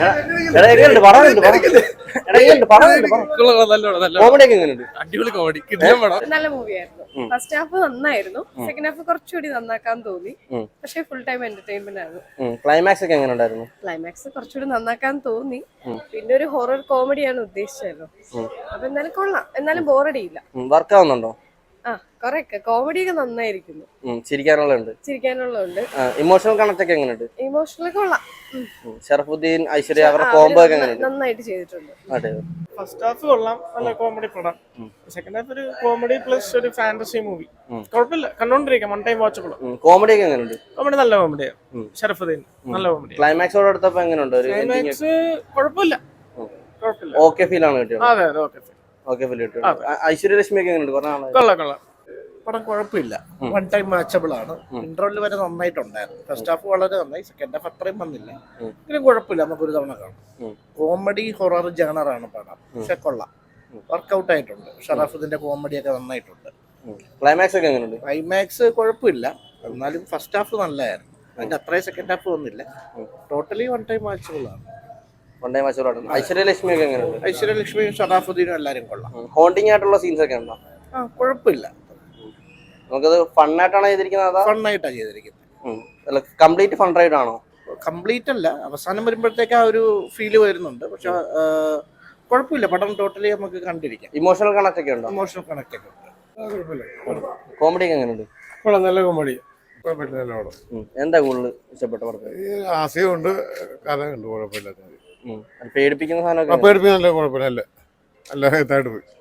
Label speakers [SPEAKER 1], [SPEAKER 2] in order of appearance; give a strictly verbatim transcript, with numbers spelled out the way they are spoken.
[SPEAKER 1] നല്ല മൂവിയായിരുന്നു. First half നന്നായിരുന്നു, സെക്കൻഡ് ഹാഫ് കുറച്ചുകൂടി നന്നാക്കാൻ തോന്നി. പക്ഷെ ഫുൾ ടൈം എന്റർടൈൻമെന്റ് ആയിരുന്നു.
[SPEAKER 2] ക്ലൈമാക്സ് ഒക്കെ എങ്ങനെ ഉണ്ടായിരുന്നു?
[SPEAKER 1] ക്ലൈമാക്സ് കുറച്ചുകൂടി നന്നാക്കാൻ തോന്നി. പിന്നെ ഒരു ഹൊറർ കോമഡിയാണ് ഉദ്ദേശിച്ചല്ലോ. അപ്പൊ എന്നാലും കൊള്ളാം, എന്നാലും ബോറടിയില്ല.
[SPEAKER 2] വർക്ക് ആവുന്നുണ്ടോ?
[SPEAKER 1] ആ കൊറേയൊക്കെ കോമഡിയൊക്കെ നന്നായിരിക്കുന്നു.
[SPEAKER 2] ചിരിക്കാനുള്ളത്
[SPEAKER 1] ചിരിക്കാനുള്ളതുണ്ട്.
[SPEAKER 2] ഇമോഷണൽ കണക്ട് ഒക്കെ എങ്ങനെയുണ്ട്?
[SPEAKER 1] ഇമോഷണൽ കൊള്ളാം.
[SPEAKER 2] ഷറഫുദ്ദീൻ, ഐശ്വര്യ അവരുടെ കോംബോ ഒക്കെ എങ്ങനെയുണ്ട്?
[SPEAKER 1] നന്നായിട്ട് ചെയ്തിട്ടുണ്ട്.
[SPEAKER 3] ഫസ്റ്റ് ഹാഫ് കൊള്ളാം, നല്ല കോമഡി പടം. സെക്കൻഡ് ഹാഫ് ഒരു കോമഡി പ്ലസ് ഒരു ഫാന്റസി മൂവി. കുഴപ്പമില്ല, കണ്ടോണ്ടിരിക്കാം, വൺ ടൈം വാച്ചബിൾ.
[SPEAKER 2] കോമഡി ഒക്കെ എങ്ങനെയുണ്ട്?
[SPEAKER 3] കോമഡി നല്ല കോമഡിയാണ്. ഷറഫുദ്ദീൻ നല്ല കോമഡി.
[SPEAKER 2] ക്ലൈമാക്സോട് അടുത്തപ്പോ എങ്ങനെയുണ്ട്?
[SPEAKER 3] ക്ലൈമാക്സ് കുഴപ്പമില്ല, കുഴപ്പമില്ല.
[SPEAKER 2] ഓക്കെ ഫീൽ ആണ് കിട്ടിയത്.
[SPEAKER 3] അതെ അതെ ഓക്കെ
[SPEAKER 2] ഓക്കെ ഫീൽ കിട്ടിയത്. ഐശ്വര്യ ലക്ഷ്മി ഒക്കെ എങ്ങനെയുണ്ട്?
[SPEAKER 3] കൊള്ളാം കൊള്ളാം.
[SPEAKER 4] പടം കുഴപ്പമില്ല, വൺ ടൈം വാച്ചബിൾ ആണ്. ഇന്റർവെൽ വരെ നന്നായിട്ടുണ്ടായിരുന്നു. ഫസ്റ്റ് ഹാഫ് വളരെ നന്നായി, സെക്കൻഡ് ഹാഫ് അത്രയും വന്നില്ല. എങ്കിലും കുഴപ്പമില്ല, നമുക്ക് ഒരു തവണ കാണാം. കോമഡി ഹൊറർ ജാണറാണ് പടം, പക്ഷെ കൊള്ളാം, വർക്കൗട്ട് ആയിട്ടുണ്ട്. ഷറാഫുദ്ദീന്റെ കോമഡി ഒക്കെ നന്നായിട്ടുണ്ട്.
[SPEAKER 2] ക്ലൈമാക്സ് ഒക്കെ എങ്ങനെയുണ്ട്?
[SPEAKER 4] ക്ലൈമാക്സ് കുഴപ്പമില്ല, എന്നാലും ഫസ്റ്റ് ഹാഫ് നല്ലതായിരുന്നു. അതിന്റെ അത്രയും സെക്കൻഡ് ഹാഫ് വന്നില്ല. ടോട്ടലി വൺ ടൈം വാച്ചബിൾ ആണ്.
[SPEAKER 2] വൺ ടൈം വാച്ചബിൾ ആണ്. ഐശ്വര്യ ലക്ഷ്മി ഒക്കെ എങ്ങനെയുണ്ട്?
[SPEAKER 4] ഐശ്വര്യ ലക്ഷ്മിയും ഷറാഫുദ്ദീനും എല്ലാവരും കൊള്ളാം.
[SPEAKER 2] ഹോണ്ടിങ് ആയിട്ടുള്ള സീൻസ് ഒക്കെ ഉണ്ടോ?
[SPEAKER 4] ആ കുഴപ്പമില്ല,
[SPEAKER 2] നമുക്കത് ഫണ്ണായിട്ടാണ് ചെയ്തിരിക്കുന്നത്?
[SPEAKER 4] ഫണ്ണായിട്ടാണ് ചെയ്തിരിക്കുന്നത്.
[SPEAKER 2] കംപ്ലീറ്റ് ഫൺ റൈഡ് ആണോ?
[SPEAKER 4] കംപ്ലീറ്റ് അല്ല, അവസാനം വരുമ്പോഴത്തേക്ക് ആ ഒരു ഫീല് വരുന്നുണ്ട്. പക്ഷെ കുഴപ്പമില്ല, പടം ടോട്ടലി നമുക്ക് കണ്ടിരിക്കാം.
[SPEAKER 2] ഇമോഷണൽ കണക്ട് ഒക്കെ ഉണ്ടോ?
[SPEAKER 4] ഇമോഷണൽ കണക്ട് ഒക്കെ ഉണ്ട്.
[SPEAKER 2] കോമഡി ഒക്കെ എങ്ങനെയുണ്ട്?
[SPEAKER 5] നല്ല കോമഡി.
[SPEAKER 2] എന്താ കൂടുതൽ ഇഷ്ടപ്പെട്ട പടത്തിൽ?
[SPEAKER 5] ആശയമുണ്ട്, കഥയുണ്ട്, കുഴപ്പമില്ല.
[SPEAKER 2] പേടിപ്പിക്കുന്ന സാധനം
[SPEAKER 5] പേടിപ്പിക്കുന്ന കുഴപ്പമില്ല, നല്ല നല്ല ഇതായിട്ട് പോയി.